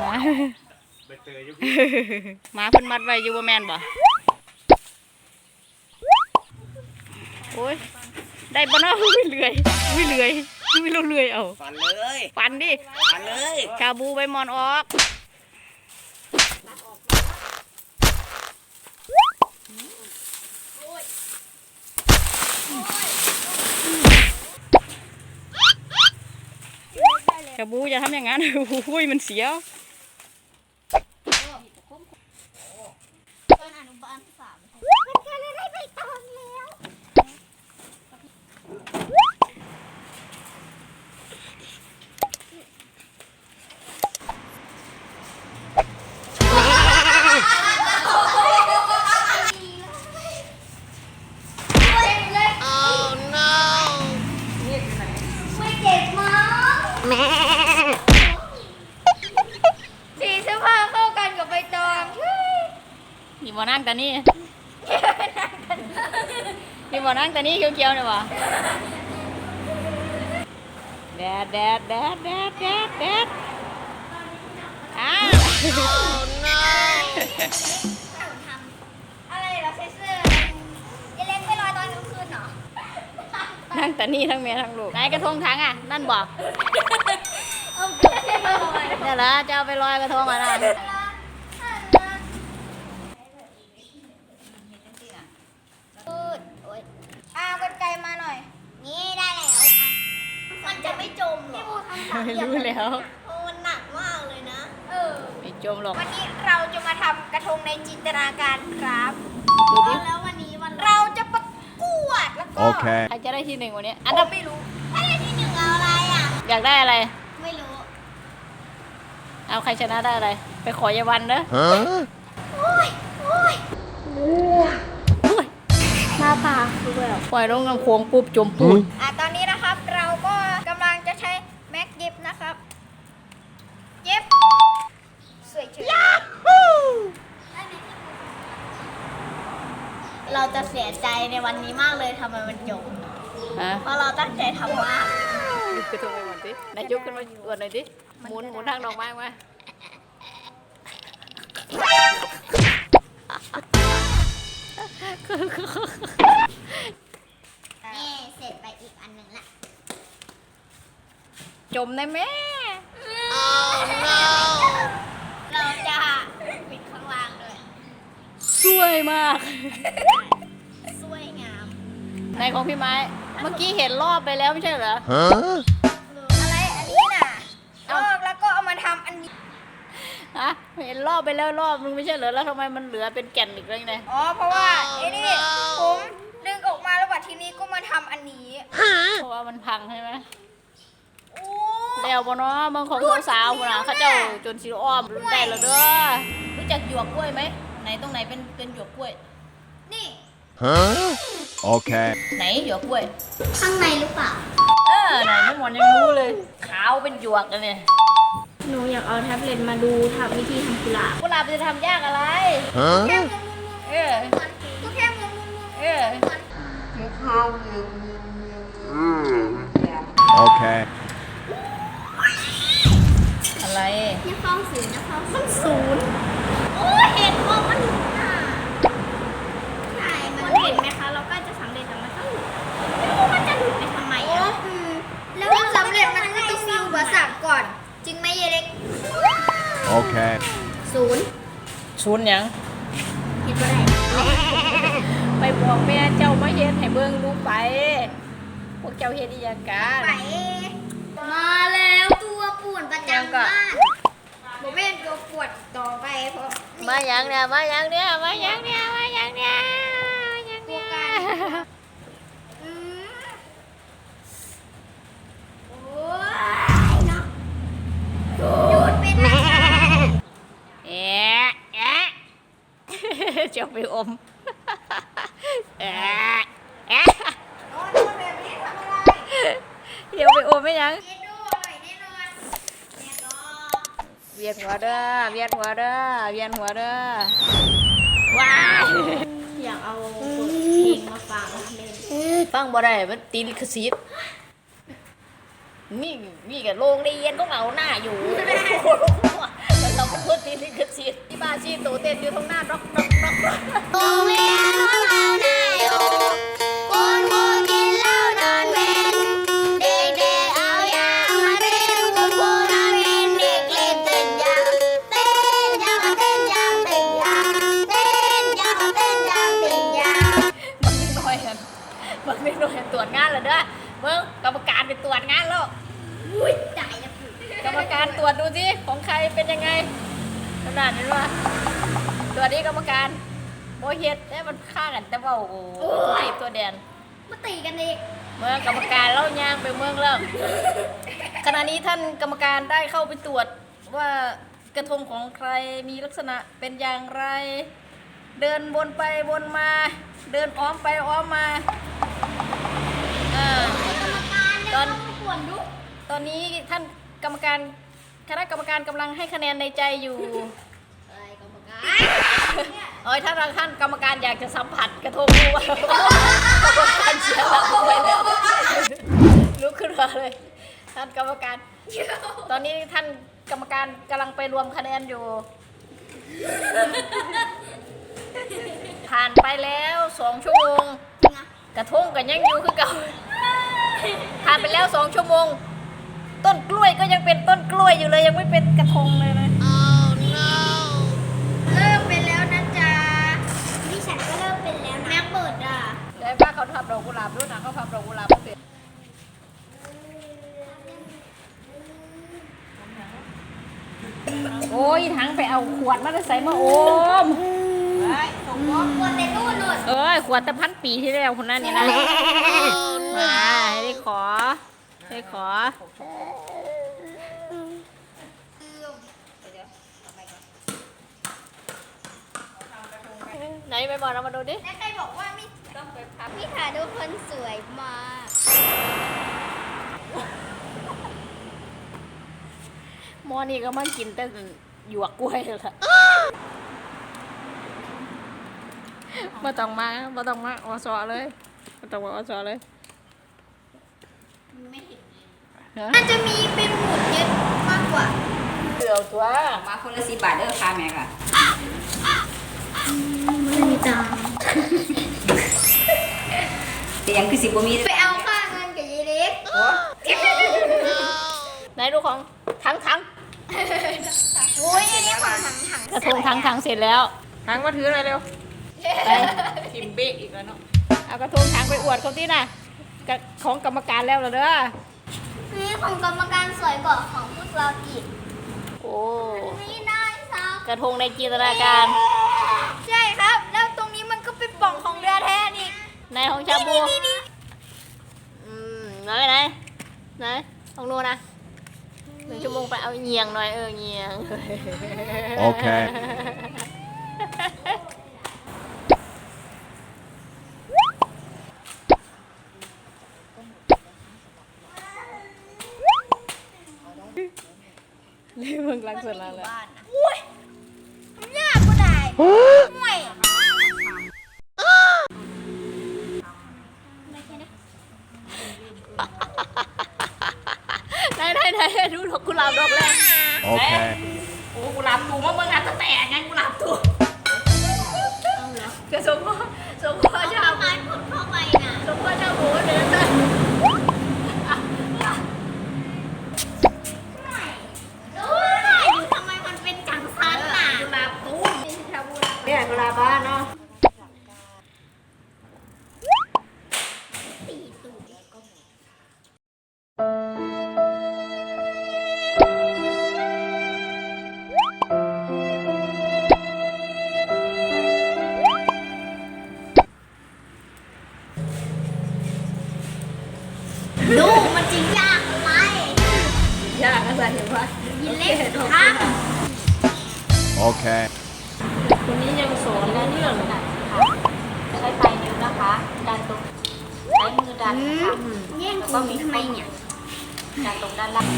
มามาเพิ่นมัดไว้อยู่บ่แม่นบ่โอ้ยได้บ่เนาะวิ่งเลื่อยวิ่งเลื่อยวิ่งเลื่อยเอาฟันเลยฟันดิฟันเลยชาบูใบมอนออกชาบูอย่าทำอย่างนั้นโอ้ยมันเสียวสีเสื้อผ้าเข้ากันกับใบตองนี่บ่นั่งแต่นี่นี่บ่นั่งแต่นี่เขียวๆเนี่ยวะแดดแดดแดดแดดแดดแดดอ้าวอะไรเหรอเซเซอร์จะเล่นไปลอยตอนกลางคืนเหรอนั่งแต่นี่ทั้งเมียทั้งลูกไหนกระทงทั้งอ่ะนั่นบอกเนี่ยเหรอจะเอาไปลอยกระทงอะไรเอากรรไกรมาหน่อยนี่ได้แล้วมันจะไม่จมหรอไม่รู้แล้วมันหนักมากเลยนะไม่จมหรอกวันนี้เราจะมาทำกระทงในจินตนาการครับแล้ววันนี้เราจะประกวดแล้วก็ใครจะได้ที่หนึ่งวันนี้อันดับไม่รู้ได้ที่หนึ่งเอาอะไรอ่ะอยากได้อะไรไม่รู้เอาใครชนะได้อะไรไปขอยายวันเด้อโอ้ยหน้าตาคือแบบปล่อยลงกำโขงปุ๊บจมปูดตอนนี้นะครับเราก็กำลังจะใช้แม็กยิบนะครับยิบสวยเฉยเราจะเสียใจในวันนี้มากเลยทำไมมันจบเพราะเราตั้งใจทำมากยุบกระทงไปหมดสินายยุบขึ้นมาอวดหน่อยสิหมุนทางดอกไม้มานี่เสร็จไปอีกอันหนึ่งละจมได้ไหมเราจะปิดข้างล่างด้วยสวยมากสวยงามในของพี่ไม้เมื่อกี้เห็นรอบไปแล้วไม่ใช่เหรออะไรอันนี้น่ะแล้วก็เอามาทำอันนี้เห็นรอบไปแล้วรอบนึงไม่ใช่เหรอแล้วทำไมมันเหลือเป็นแก่นอีกเลยเนี่ยเพราะว่าไอ้นี่ผมดึงออกมาแล้วทีนี้ก็มาทำอันนี้เพราะว่ามันพังใช่ไหมแล้วบ่เนาะบางของสาวๆนะเขาเจ้าจนสีอ้อมได้แล้วเด้อรู้จักหยวกกล้วยไหมไหนตรงไหนเป็นหยวกกล้วยนี่โอเคไหนหยวกกล้วยข้างในหรือเปล่าไหนไม่หมดยังรู้เลยขาวเป็นหยวกกันเนี่ยหนูอยากเอาแท็บเล็ตมาดูทำวิธีทำกุหลาบจะทำยากอะไรแค่ก็แค่โอเคอะไรที่ฟ้องศูนย์นะฟ้องมันศูนย์โอ้เห็นว่ามันใช่มันเห็นไหมคะเราก็จะสำเร็จแต่มันก็หลุดไม่รู้มันจะหลุดไปทำไมแล้วสำเร็จมันก็ต้องมีอุปสรรคก่อนจริงไหมเยเล็กโอเคศูนย์ยังคิดว่าได้ไปบอกแม่เจ้ามาเฮ็ดให้เบิ่งลูกไปพวกเจ้าเฮ็ดอีหยังกันไปมาแล้วตัวป่วนประจำบ้านบ่แม่นตัวปวดต่อไปเพราะมาอย่างเนี่ยโอ้ยเนาะหยุดเป็นนะเจ้าไปอมเดี๋ยวไปอมไม่ยังเวียนหัวเด้อว้ายอยากเอาเพลงมาฟังเล่นฟังบ่ได้มันตีลิขสิทธิ์นี่กับโรงเรียนก็เอาหน้าอยู่เราชีดที่บ้านชีดตัวเต้นอยู่ตรงหน้าร็อกโรงเรียนของเราน่าอยู่คุณครูกินเหล้านอนเว้นเด็กๆเอายามาเต้นคุณครูนอนเว้นเด็กเล่นเต้นยางเต้นยางเต้นยางเต้นยางเต้นยางเต้นยางเต้นยางบักนิดหน่อยกันบักนิดหน่อยตรวจงานแล้วเด้อเบิ่งกรรมการไปตรวจงานแล้วอุ้ยตายแล้วกรรมการตรวจดูสิของใครเป็นยังไงขนาดนี้ว่าตรวจนี้กรรมการโมเฮ็ดได้มันฆ่ากันแต่ว่าโอ้โหตัวตีบตัวแดนมาตีกันอีกเมื่อกรรมการเล่าย่างไปเมืองแล้วขณะนี้ท่านกรรมการได้เข้าไปตรวจว่ากระทงของใครมีลักษณะเป็นอย่างไร เดินวนไปวนมา เดินอ้อมไปอ้อมมาอ่ากรรมการเนี่ยตอนต้องป่วนดูตอนนี้ท่านกรรมการคณะกรรมการกำลังให้คะแนนในใจอยู่เอ้ยกรรมการเอ้ยถ้าท่านกรรมการอยากจะสัมผัสกระทงดูว่ากรรมการเสียหลักไปแล้วลุกขึ้นมาเลย ท่านกรรมการ ตอนนี้ท่านกรรมการกำลังไปรวมคะแนนอยู่ ผ่านไปแล้ว2 ชั่วโมง กระทงกันยังอยู่คือเก่าผ่านไปแล้ว2 ชั่วโมง ต้นกล้วยก็ยังเป็นต้นกล้วยอยู่เลยยังไม่เป็นกระทงเลยนะเริ่มเป็นแล้วนะจ๊ะดิฉันก็เริ่มเป็นแล้วนะแม่เปิดอ่ะยายป้าเขาทำดอกกุหลาบด้วยนะเขาทำดอกกุหลาบไม่เป็นโอ้ยทั้งไปเอาขวดมาใส่มาโอมป่วนในนู่นนู่นเอ้ยขวดแต่1,000 ปีที่แล้วคนนั้นนี่นะมาให้ได้ขอได้ขอไหนไปบอกเรามาดูดิแล้วใครบอกว่าไม่ต้องไปพักพี่ขาทุกคนสวยมากหมอนี่ก็มันกินแต่หยวกกล้วยเลยค่ะมาต้องมาอสอเลยมาต้องมาอสอเลยไม่เห็นฮะน่าจะมีเป็นหมุดเยอะมากกว่าเดี๋ยวตัวมาคนละ10 บาทเด้อค่ะแม่ค่ะไม่มีตังค์แต่ยังคือ10บ่มีไปเอาค่าเงินกับยายเล็กไหนดูของถังโอ้ยอันนี้ของถังกระทงถังเสร็จแล้วทางมาถืออะไรเร็วไปทิมเบกอีกแล้วเนาะเอากระทงถังไปอวดเขาที่น่ะของกรรมการแล้วเหรอเด้อนี่ของกรรมการสวยกว่าของพวกเราอีกโอ้นี่ได้ซับกระทงในจินตนาการใช่ครับ แล้วตรงนี้มันก็เป็นปล่องของเรือแท้นี่ในของชาบูไหนของโนนะ1 ชั่วโมงไปเอาเงียงหน่อยเงียง Okay. เล่มึงรักสุดแล้วแหละอุ้ยมันยากกว่าได้ห่วยไหนดูดอกกุหลาบดอกแรก Okay. โอ้กุหลาบตูมมึงอาจจะแตกไงกุหลาบตูจะสมพ่อชาเอาไม้ผลเข้าไปน่ะสมพ่อชาบูเดินได้โอ้ยอยู่ทำไมมันเป็นจังซันน่ะกุหลาบตูมเนี่ยกุหลาบบ้านเนาะตีตูด ดูมันจริงยากอะไรยากอะไรเห็นปะยินเล็กครับ Okay. คนนี้ยังสอนและเรื่องใช้ปลายนิ้วนะคะ ดันตรงใช้มือดันนะคะแย่งกูทำไมเนี่ยดันตรงด้านล่าง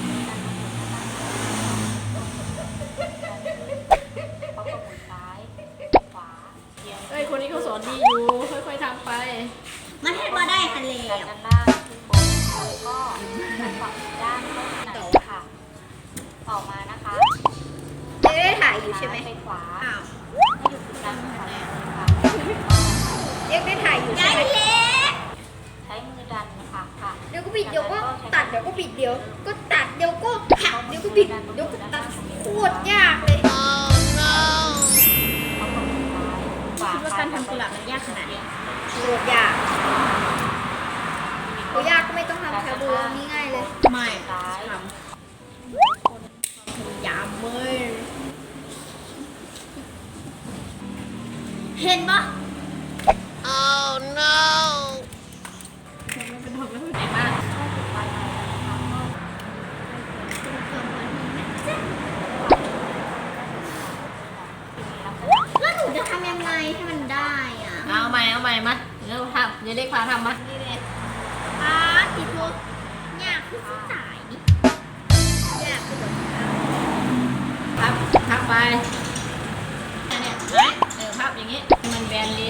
เขาก็หมุนซ้ายขวาเอียงเอ้ยคนนี้เขาสอนดีอยู่ค่อยๆทำไปมันให้มาได้คันเลดันวด้านล่างขึ้นบนแล้วก็ดันฝั่งด้านเข้าหนังค่ะ ออกมานะคะจะได้ถ่ายอยู่ใช่ไหมไปขวาอ้าวให้อยู่ตรงกลางค่ะเอ็กได้ถ่ายอยู่ใช่ไหมใช้มือดันนะคะค่ะเดี๋ยวก็บิดเดี๋ยวก็ตัดเดี๋ยวก็บิดเดี๋ยวก็ตัดเดี๋ยวก็หักเดี๋ยวก็บิดเดี๋ยวก็ตัดโคตรยากเลยเอาของซ้ายขวาคิดว่าการทำกุหลาบมันยากขนาดนี้โคตรยากโอ้ยากก็ไม่ต้องทำชาบูนี่ง่ายเลยไม่ซ้ายทำยามเว้ยเห็นปะไหนบ้างแล้วหนูจะทำยังไงให้มันได้อ่ะเอาใหม่มาเดี๋ยวทำเดี๋ยวเด็กพาทำมานี่เลยติดโทษยากคือสายนี่ยากคือแบบพับไปอันเนี้ยไหมพับอย่างงี้ให้มันแบนดี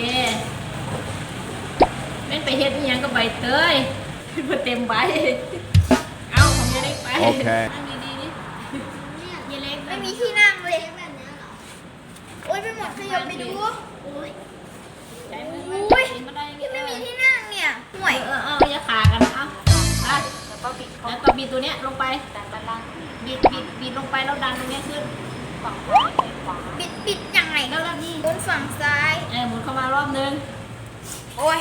เล่นไปเฮ็ดอีหยังก็ใบเตยมาเต็มใบเอาของยายเล็กไป Okay. นั่งดีๆนี่ยายเล็กไม่มีที่นั่งเลยแบบนี้เหรอโอ๊ยไปหมดขยับไปดูโอ๊ยใช้มือโอ๊ยมาได้ยังไม่มีที่นั่งเนี่ยห่วยเอาอย่าขากันเอาไปแล้วก็บิดเข้าแล้วก็บีบตัวเนี้ยลงไปดันด้านล่างบีบลงไปแล้วดันตรงเนี้ยขึ้นฝั่งซ้ายไปขวาบิดยังไงก็แล้วนี่บนฝั่งซ้ายหมุนเข้ามารอบนึงโอ๊ย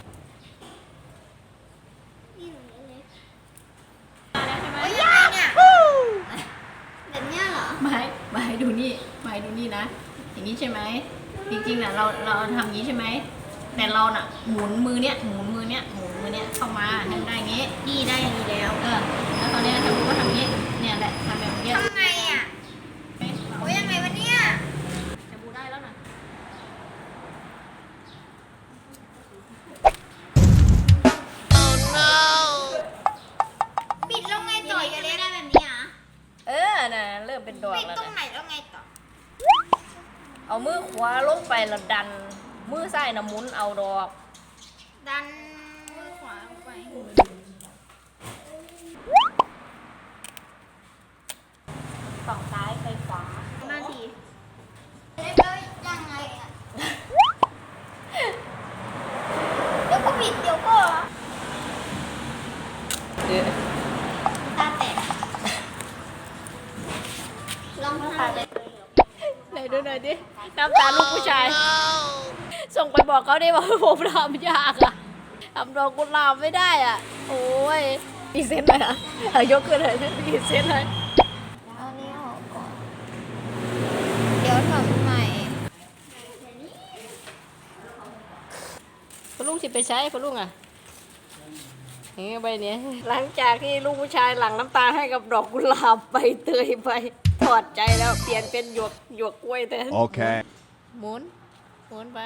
โอ๊ยยังไงเนี่ยแบบเนี้ยเหรอไม่ดูนี่นะ อย่างนี้ใช่ไหมจริงๆน่ะเราทำอย่างนี้ใช่ไหมแต่เราน่ะหมุนมือเนี้ยเข้ามาให้มันได้อย่างงี้ดีได้อย่างนี้แล้วแล้วตอนเนี้ยทำก็ทำอย่างนี้เนี่ยแหละทำแบบนี้ทำไงอ่ะ โอ๊ยยังไงวะเนี่ยจะบูได้แล้วนะบิดแล้วไงต่อจะเล่นได้แบบนี้อ่ะน่ะเริ่มเป็นดอกบิดแล้วตรงนะไหนแล้วไงต่อเอามือขวาลงไปแล้วดัน มือซ้ายน่ะหมุนเอาดอกดันมือขวาลงไปฝั่งซ้ายไปขวามาทีเล่นแล้วยังไงอ่ะ เดี๋ยวก็บิดเดี๋ยวก็ตาแตกลองทำเลยไหนดูหน่อยดิน้ำตาลูกผู้ชาย ส่งไปบอกเขาได้ว่าผมทำยากอะทำดอกกุหลาบไม่ได้อ่ะ โอ้ยมีเส้นไหมอ่ะยกขึ้นเลยมีเส้นเลยเอานี้ออกก่อน เดี๋ยวทำใหม่พอลุงสิไปใช้พอลุงอ่ะนี่ใบเนี้ยหลังจากที่ลูกผู้ชายหลั่งน้ำตาให้กับดอกกุหลาบใบเตยไปถอดใจแล้วเปลี่ยนเป็นหยวกกล้วยแทน Okay. หมุนไป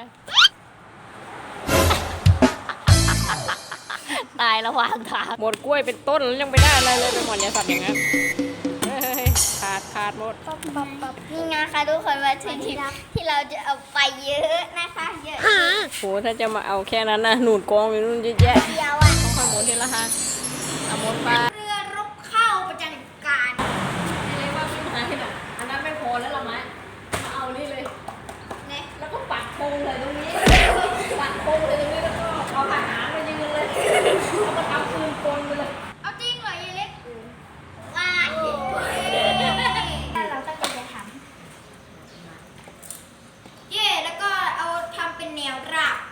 ตายระหว่างทางหมดกล้วยเป็นต้นแล้วยังไม่ได้อะไรเลยไปหมดเนี่ยสัตว์อย่างนั้นเฮ้ยขาดหมดนี่ไงคะทุกคนวัตถุดิบที่เราจะเอาไปเยอะนะคะเยอะโหถ้าจะมาเอาแค่นั้นนะหนูดกองอยู่นู่นเยอะแยะเดียวอ่ะค่อยหมุนทีละหันเอาหมุนไปเรือรบเข้าประจันการเรียกว่าไม่หายน่ะอันนั้นไม่พอแล้วหรอไหมมาเอานี่เลยเนี่ยแล้วก็ปักธงเลยตรงนี้ ปักธงเลยตรงนี้แล้วก็เอาทหารมายืนเลยแล้วก็ทำปืนกลไปเลยเอาจริงเหรอยายเล็กว่าเราตั้งใจจะทำเย่แล้วก็เอาทำเป็นแนวราบ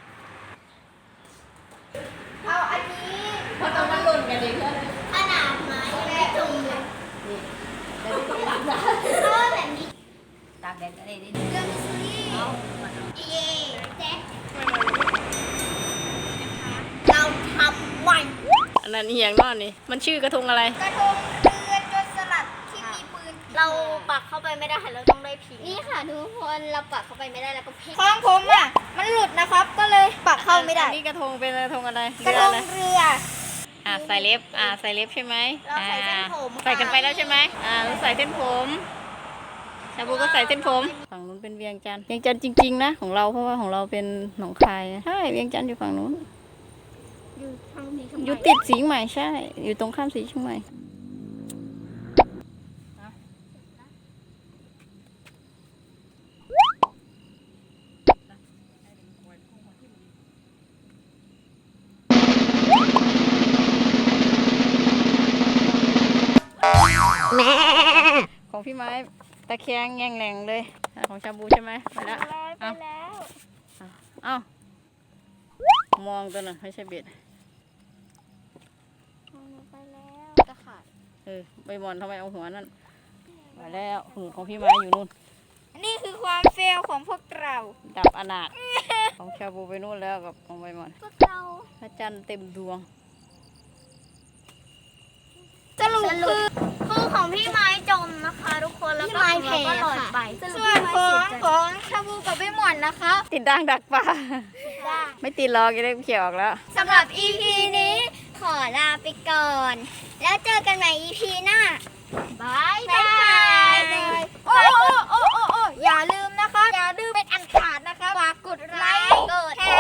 เอาอันนี้เพราะตอนนั้นหล่นกันเลยเพื่อนขนาดไม้แบบตรงเลยนี่แต่ที่ต้องหลังนะเอาแบบนี้ตากแดดก็ได้ดิเรื่องมิสซิลี่เย่แจ็คเราทำวันอันนั้นเหียงนอนนี่มันชื่อกระทงอะไรกระทงเรือจนสลัดที่มีปืน เราปักเข้าไปไม่ได้เราต้องได้พิงนี่ค่ะทุกคนเราปักเข้าไปไม่ได้แล้วก็พิงของผมอ่ะมันหลุดนะครับ ก็เลยปักเข้าไม่ได้อันนี้กระทงเป็นกระทงอะไรกระทงเอเรือใส่เล็บใส่เล็บใช่ไหมเราใส่เส้นผมค่ะใส่กันไปแล้วใช่ไหมเราใส่เส้นผมชาบูก็ใส่เส้นผม ฝั่งนู้นเป็นเวียงจันทร์เวียงจันทร์จริงๆนะของเราเพราะว่าของเราเป็นหนองคายนะใช่เวียงจันทร์อยู่ฝั่งนู้นอยู่ทางนี้อยู่ติดสีใหม่ใช่ อยู่ตรงข้ามสีเชียงใหม่ของพี่ไม้ตะแคงแง่งแหน่งเลยของชาบูใช่ไหมไปแล้วไปแล้วเอ้ามองตัวน่ะไม่ใช่เบ็ดไปแล้วจะขาดใบบอลทำไมเอาหัวนั่นไปแล้วหูของพี่ไม้อยู่นู่นนี่คือความเฟลของพวกเราดับอนาถ ของชาบูไปนู่นแล้วกับของใบบอลพวกเราพระจันทร์เต็มดวงสรุปคือของพี่ไม้จมนะคะทุกคนแล้วก็ของเราก็หล่นไปส่วนของชาบูกับพี่หมอนนะคะติดด่างดักปลา ไม่ติดหรอกจะได้เขี่ยออกแล้วสำหรับ EP นี้ขอลาไปก่อน แล้วเจอกันใหม่ EP หน้าบายบายโอ้อย่าลืมนะคะ อย่าลืมเป็นอันขาดนะคะฝากกดไลค์กดแชร์